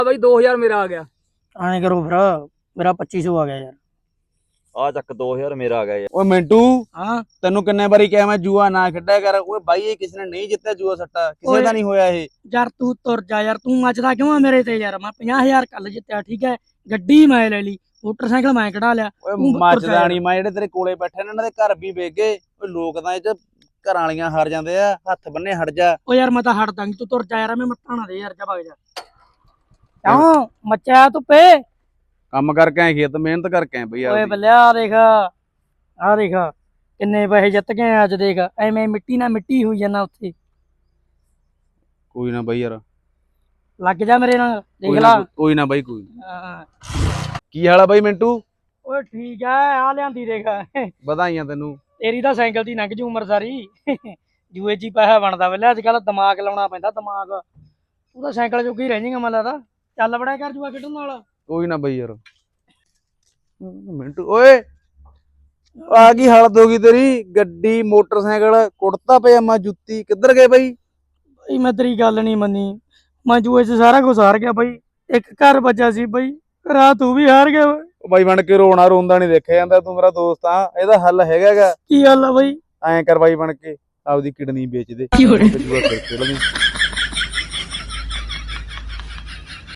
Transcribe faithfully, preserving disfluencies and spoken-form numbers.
ਬਾਈ ਦੋ ਹਜ਼ਾਰ ਮੇਰਾ ਆ ਗਿਆ। ਐਂ ਕਰੋ ਫਿਰ ਮੇਰਾ ਪੱਚੀ ਸੌ ਆ ਗਿਆ ਯਾਰ। ਆ ਚੱਕ ਦੋ ਹਜ਼ਾਰ ਮੇਰਾ ਆ ਗਿਆ ਯਾਰ। ਓਏ ਮਿੰਟੂ ਹਾਂ ਤੈਨੂੰ ਕਿੰਨੇ ਵਾਰੀ ਕਿਹਾ ਮੈਂ ਜੂਆ ਨਾ ਖੇਡਿਆ ਕਰ। ਓਏ ਬਾਈ ਇਹ ਕਿਸੇ ਨੇ ਨਹੀਂ ਜਿੱਤਿਆ ਜੂਆ ਸੱਟਾ, ਕਿਸੇ ਦਾ ਨਹੀਂ ਹੋਇਆ ਇਹ। ਯਾਰ ਤੂੰ ਤੁਰ ਜਾ ਯਾਰ, ਤੂੰ ਮੱਚਦਾ ਕਿਉਂ ਆ ਮੇਰੇ ਤੇ ਯਾਰ। ਮੈਂ ਪੰਜਾਹ ਹਜ਼ਾਰ ਕੱਲ ਜਿੱਤਿਆ, ਠੀਕ ਹੈ, ਗੱਡੀ ਮੈਂ ਲੈ ਲਈ, ਮੋਟਰਸਾਈਕਲ ਮੈਂ ਕਢਾ ਲਿਆ। ਓਏ ਤੂੰ ਮੱਚਦਾ ਨਹੀਂ ਮੈਂ, ਜਿਹੜੇ ਤੇਰੇ ਕੋਲੇ ਬੈਠੇ ਨੇ ਇਹਨਾਂ ਦੇ ਘਰ ਵੀ ਵੇਚ ਗਏ। ਓਏ ਲੋਕ ਤਾਂ ਇਹ ਚ ਘਰਾਂ ਵਾਲੀਆਂ ਹਾਰ ਜਾਂਦੇ ਆ, ਹੱਥ ਬੰਨੇ ਹਟ ਜਾ। ਓ ਯਾਰ ਮੈਂ ਤਾਂ ਹਟਦਾ ਨੀ, ਤੂੰ ਤੁਰ ਜਾ ਯਾਰ, ਮੈਂ ਮੱਥਾ ਨਾ ਦੇ ਯਾਰ, ਜਾ ਭਗ ਜਾ। ਕਿਉਂ ਮੱਚਿਆ ਧੁੱਪੇ? ਕੰਮ ਕਰਕੇ ਆਏ ਖੇਤ, ਮਿਹਨਤ ਕਰਕੇ ਆਏ ਬਈ। ਓਏ ਬੱਲਿਆ ਆ ਦੇਖ, ਆ ਦੇਖ ਕਿੰਨੇ ਪੈਸੇ ਜਿੱਤ ਗਏ ਅੱਜ। ਦੇਖ ਐਵੇਂ ਮਿੱਟੀ ਨਾਲ ਮਿੱਟੀ ਹੋਈ ਜਾਂਦਾ ਉੱਥੇ। ਕੋਈ ਨਾ ਬਈ ਯਾਰ, ਲੱਗ ਜਾ ਮੇਰੇ ਨਾਲ, ਦੇਖ ਕੋਈ ਲਾ। ਨਾ ਕੋਈ ਨਾ ਬਾਈ, ਕੋਈ ਨਾ। ਹਾਂ। ਕੀ ਹਾਲ ਆ ਬਾਈ ਮਿੰਟੂ? ਓਏ ਠੀਕ ਆ, ਆ ਲਿਆਂਦੀ ਦੇਖ। ਵਧਾਈਆਂ ਤੈਨੂੰ। ਤੇਰੀ ਤਾਂ ਸਾਈਕਲ ਦੀ ਲੰਘ ਜੂ ਉਮਰ ਸਾਰੀ। ਜੂਏ ਚ ਹੀ ਪੈਸਾ ਬਣਦਾ ਵੇਲੇ, ਅੱਜ ਕੱਲ ਦਿਮਾਗ ਲਾਉਣਾ ਪੈਂਦਾ, ਦਿਮਾਗ। ਤੂੰ ਤਾਂ ਸਾਈਕਲ ਜੋਗੀ ਰਹਿ ਜਾਏਗਾ ਮੈਨੂੰ ਲੱਗਦਾ। ਚੱਲ ਬੜਿਆ ਕਰ ਜੂਆ ਖੇਡਣ ਨਾਲ। ਕੋਈ ਨਾ ਬਈ ਯਾਰ। ਮਿੰਟੂ ਓਏ ਆ ਕੀ ਹਾਲਤ ਹੋ ਗਈ ਤੇਰੀ? ਗੱਡੀ, ਮੋਟਰਸਾਈਕਲ, ਕੁੜਤਾ ਪਜਾਮਾ, ਜੁੱਤੀ, ਕਿੱਧਰ ਗਏ ਬਈ? ਬਈ ਮੈਂ ਤੇਰੀ ਗੱਲ ਨਹੀਂ ਮੰਨੀ, ਮੈਂ ਜੂਏ ਚ ਸਾਰਾ ਕੁਝ ਹਾਰ ਗਿਆ ਬਈ। ਇੱਕ ਘਰ ਬਚਿਆ ਸੀ ਬਈ, ਘਰਾਂ ਤੂੰ ਵੀ ਹਾਰ ਗਿਆ। ਉਹ ਬਾਈ ਬਣ ਕੇ ਰੋਣਾ ਰੋਂਦਾ ਨਹੀਂ ਦੇਖਿਆ ਜਾਂਦਾ, ਤੂੰ ਮੇਰਾ ਦੋਸਤ ਆ। ਇਹਦਾ ਹੱਲ ਹੈਗਾ ਗਾ। ਕੀ ਗੱਲ ਆ ਬਈ? ਐਂ ਕਰ ਬਾਈ ਬਣ ਕੇ ਆਪਦੀ ਕਿਡਨੀ ਵੇਚ ਦੇ।